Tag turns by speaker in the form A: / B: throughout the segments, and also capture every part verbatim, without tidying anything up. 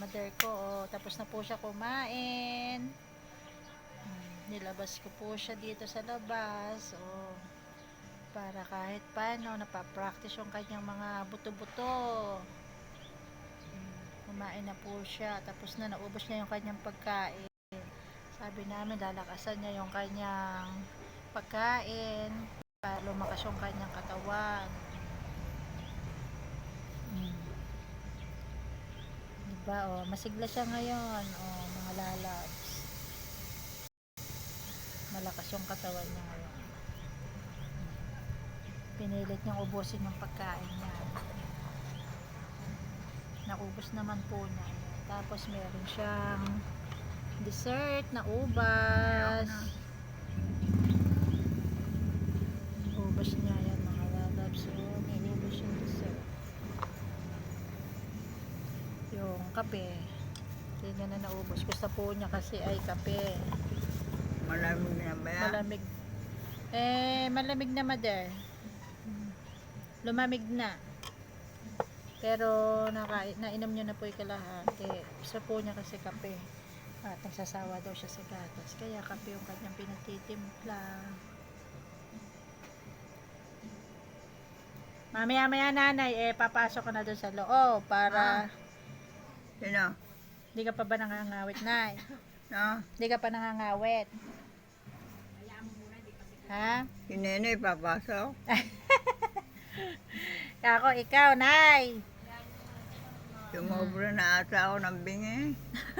A: mother ko. Oh, tapos na po siya kumain. Hmm, nilabas ko po siya dito sa labas. Oh, para kahit paano napapractice yung kanyang mga buto-buto. Hmm, kumain na po siya. Tapos na naubos niya yung kanyang pagkain. Sabi namin lalakasan niya yung kanyang pagkain para lumakas yung kanyang katawan. Hmm. Diba, oh, masigla siya ngayon, oh, mga lalabs. Malakas yung katawan niya ngayon. Pinilit niyang ubusin yung pagkain niya. Naubos naman po niya. Tapos meron siyang dessert na ubas. Ubas niya yan mga lalabs. So, may ubas yung dessert. Yung kape. Hindi niya na naubos. Gusto po niya kasi ay kape.
B: Malamig na ba yan?
A: Malamig. Eh, malamig na, mother. Lumamig na. Pero naka, nainom niya na po yung kalahati. Gusto po niya kasi kape. At nagsasawa daw siya sa gatas. Kaya kape yung kanyang pinatitimpla. Mamaya-maya nanay, eh papasok ka na doon sa loob para...
B: Sino?
A: Hindi ka pa ba nangangawit, nay?
B: No?
A: Hindi ka pa nangangawit? Ha?
B: Si Nene papasok?
A: Ako, ikaw, nay.
B: Sumobra na ata ako ng bingi.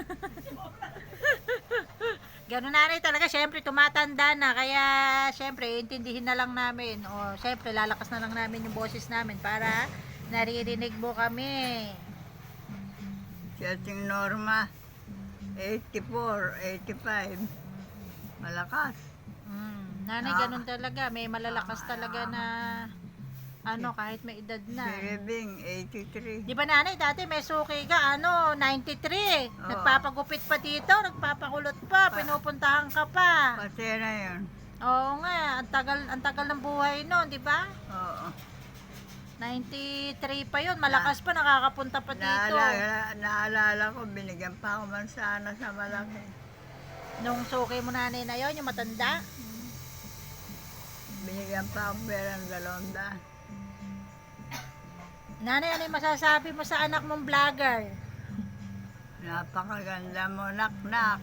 A: Ganun nanay talaga, syempre tumatanda na, kaya syempre intindihin na lang namin, o syempre lalakas na lang namin yung boses namin para naririnig mo kami.
B: Si ating Norma, eighty-four, eighty-five. Malakas.
A: Mm, nanay
B: Ah.
A: ganun talaga, may malalakas talaga na ano kahit may edad
B: Si
A: na.
B: Rebing, eighty-three.
A: Di ba nanay, dati may suki ka, ano, ninety-three.
B: Oo.
A: Nagpapagupit pa dito, nagpapakulot pa, pinupuntahan ka pa.
B: Pati na yun.
A: Oo nga, ang tagal, ang tagal ng buhay noon, di ba?
B: Oo.
A: ninety-three pa yun, malakas pa, nakakapunta pa dito.
B: Naalala, naalala ko, binigyan pa ako mansana sa malaki.
A: Nung suki mo nanay na yun, yung matanda.
B: Binigyan pa ako perang dalawang daan.
A: Nanay, ano yung masasabi mo sa anak mong vlogger?
B: Napakaganda mo, nak-nak.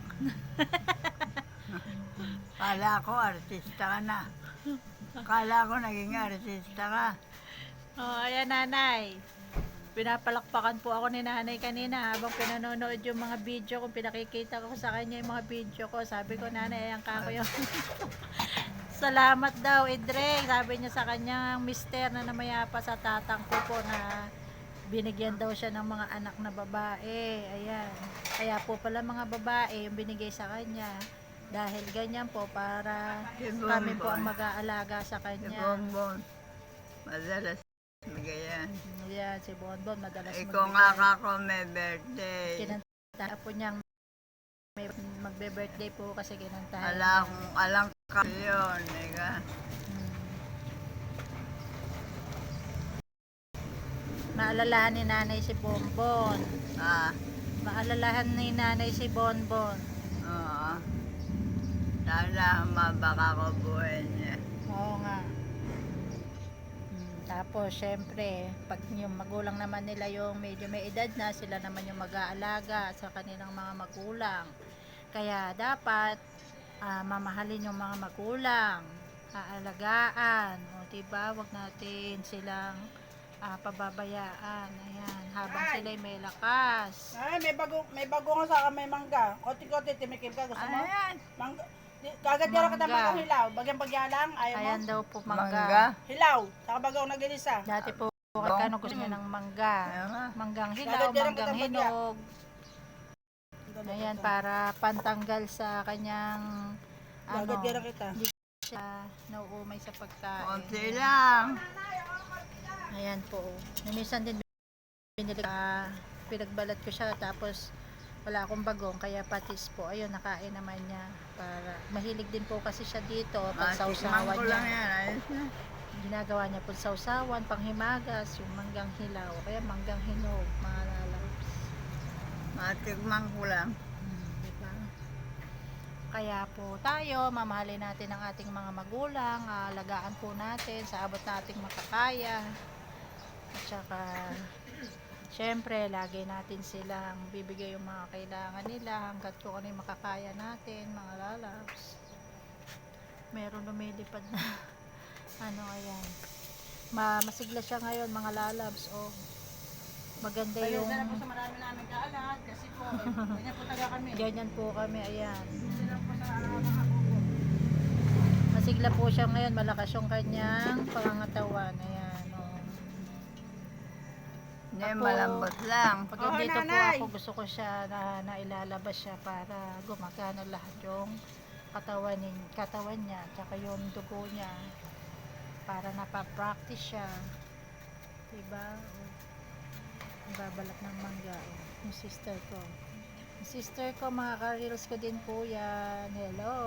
B: Kala ko, artista ka na. Kala ko, naging artista ka.
A: Oh, ayan nanay. Pinapalakpakan po ako ni nanay kanina habang pinanonood yung mga video ko. Pinakikita ko sa kanya yung mga video ko. Sabi ko, nanay, ayan ka ko yung... Salamat daw, Idre. Sabi niya sa kanyang mister na namayapa sa tatang ko po na binigyan daw siya ng mga anak na babae. Ayan. Kaya po pala mga babae yung binigay sa kanya. Dahil ganyan po para
B: Si
A: kami po
B: Bonbon.
A: ang mag-aalaga sa
B: Si
A: kanya.
B: Bonbon. Madalas magayan.
A: Ayan, si Bonbon madalas
B: Ikaw
A: magbigay.
B: nga kako may birthday.
A: Kinanta po niyang may magbe-birthday po kasi kinantahan.
B: Ala kung alang ka yun. Eka.
A: Hmm. Maalalahan ni nanay si Bonbon.
B: Ah,
A: Maalalahan ni nanay si Bonbon.
B: oo. Sana mabaka ko buhay niya.
A: Oo nga. Hmm, tapos, syempre, pag yung magulang naman nila yung medyo may edad na, sila naman yung mag-aalaga sa kanilang mga magulang. Kaya, dapat, ah, mamahalin yung mga magulang, aalagaan, o diba, wag natin silang ah, pababayaan, ayan, habang sila'y may lakas.
C: Ay, may bago, may bago nga sa may mangga. Kote-kote, timikim ka. Gusto mo?
B: Ayan.
C: Mangga. Di- Kagad yara kita
A: Mangga.
C: mangga hilaw. Bagyang pagyalang, ayaw mo?
A: Ayan daw po mangga.
B: Mangga.
C: Hilaw. Saka bagaw na ginisa.
A: Dati po, kano gusto niya ng mangga.
B: Ayan nga.
A: Manggang hilaw,
C: Kagad yan ang
A: manggang
C: kitang
A: hinog. Ayan, para pantanggal sa kanyang ano,
C: Kagad yara kita.
A: hindi siya nauumay sa pagkain.
B: Konti lang.
A: Ayan po. Namisan din binili ka, pinagbalat ko siya tapos wala akong bagong kaya patis po. Ayun, nakain naman niya. Para mahilig din po kasi siya dito pag
B: Matikman
A: sausawan
B: ko
A: niya.
B: lang yan. Ayos na.
A: Ginagawa niya po sausawan, panghimagas, yung manggang hilaw, kaya manggang hinog, mga lalabs.
B: Natikman ko lang.
A: Hmm, diba? Kaya po tayo, mamahalin natin ang ating mga magulang, alagaan po natin sa abot nating makakaya. At saka, syempre, lagi natin silang bibigay yung mga kailangan nila hanggat kung ano yung makakaya natin, mga lalabs. Meron lumilipad na, ano ayan. Ma masigla siya ngayon, mga lalabs. Oh, maganda
C: Kaya
A: yung...
C: na po sa marami namin kaalat kasi po, eh, ganyan po taga kami.
A: Ganyan po kami, ayan.
C: Sila po sa mga kuko.
A: Masigla po siya ngayon, malakas yung kanyang pangangatawan. Ayan, oh.
B: Hindi,
A: Ako-
B: malambot lang.
A: Pag
C: Oo,
A: dito po
C: nanay.
A: ako, gusto ko siya na nailalabas siya para gumagana lahat yung katawan, nin- katawan niya, tsaka yung dugo niya para napapractice siya. Diba? Oh. Babalak ng mangga. Oh. Yung sister ko. Yung sister ko, mga ka-reels ko din po yan. Hello!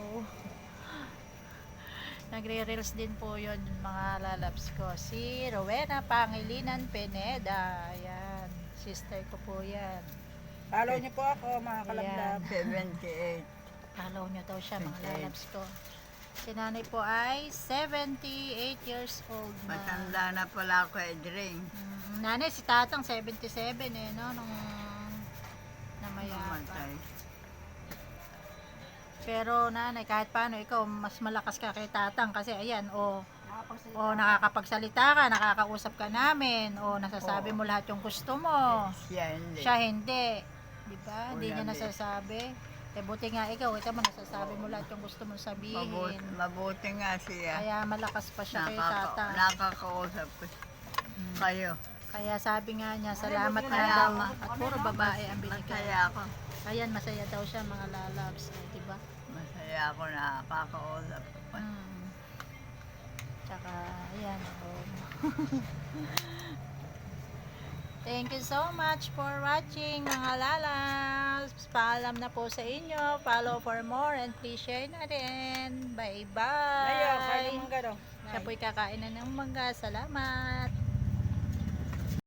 A: Nagre-reels din po yun yung mga lalabs ko. Si Rowena Pangilinan Pineda. Ayan. Sister ko po yan.
C: Follow niyo po ako mga kalablab.
B: seventy-eight.
A: Follow nyo daw siya mga
B: Okay.
A: lalabs ko. Si nanay po ay seventy-eight years old na.
B: Matanda na pala ako, Edring.
A: Mm, nanay, si tatang seventy-seven eh, no? Nung namayapa.
B: Mamatay.
A: Pero nanay, kahit paano, ikaw mas malakas ka kay tatang kasi ayan, o,
C: Nakapagsalita.
A: o nakakapagsalita ka, nakakausap ka namin, o nasasabi
B: Oo.
A: mo lahat yung gusto mo.
B: Siya hindi.
A: Siya hindi. Di ba? Hindi
B: Wala
A: niya
B: din.
A: nasasabi. Eh, buti nga ikaw, ito mo nasasabi mo lahat yung gusto mong sabihin.
B: Mabuti, mabuti nga siya.
A: Kaya malakas pa siya kay
B: Nakaka-
A: tatang.
B: nakakausap ko
A: Mm.
B: kayo.
A: Kaya sabi nga niya, salamat
C: buti
A: na
B: na
A: daw.
B: lang.
A: At puro babae ang binigay.
B: Masaya ako.
A: Ayan, masaya daw siya mga lalabs. Eh, di ba?
B: Masaya ako na nakakausap ko.
A: Mm. Tsaka, ayan. Oh. Thank you so much for watching mga lalabs. Paalam na po sa inyo. Follow for more and please share na rin. Bye-bye.
C: Ayun, kaya ng mangga daw.
A: Siya po'y kakain na ng mangga. Salamat.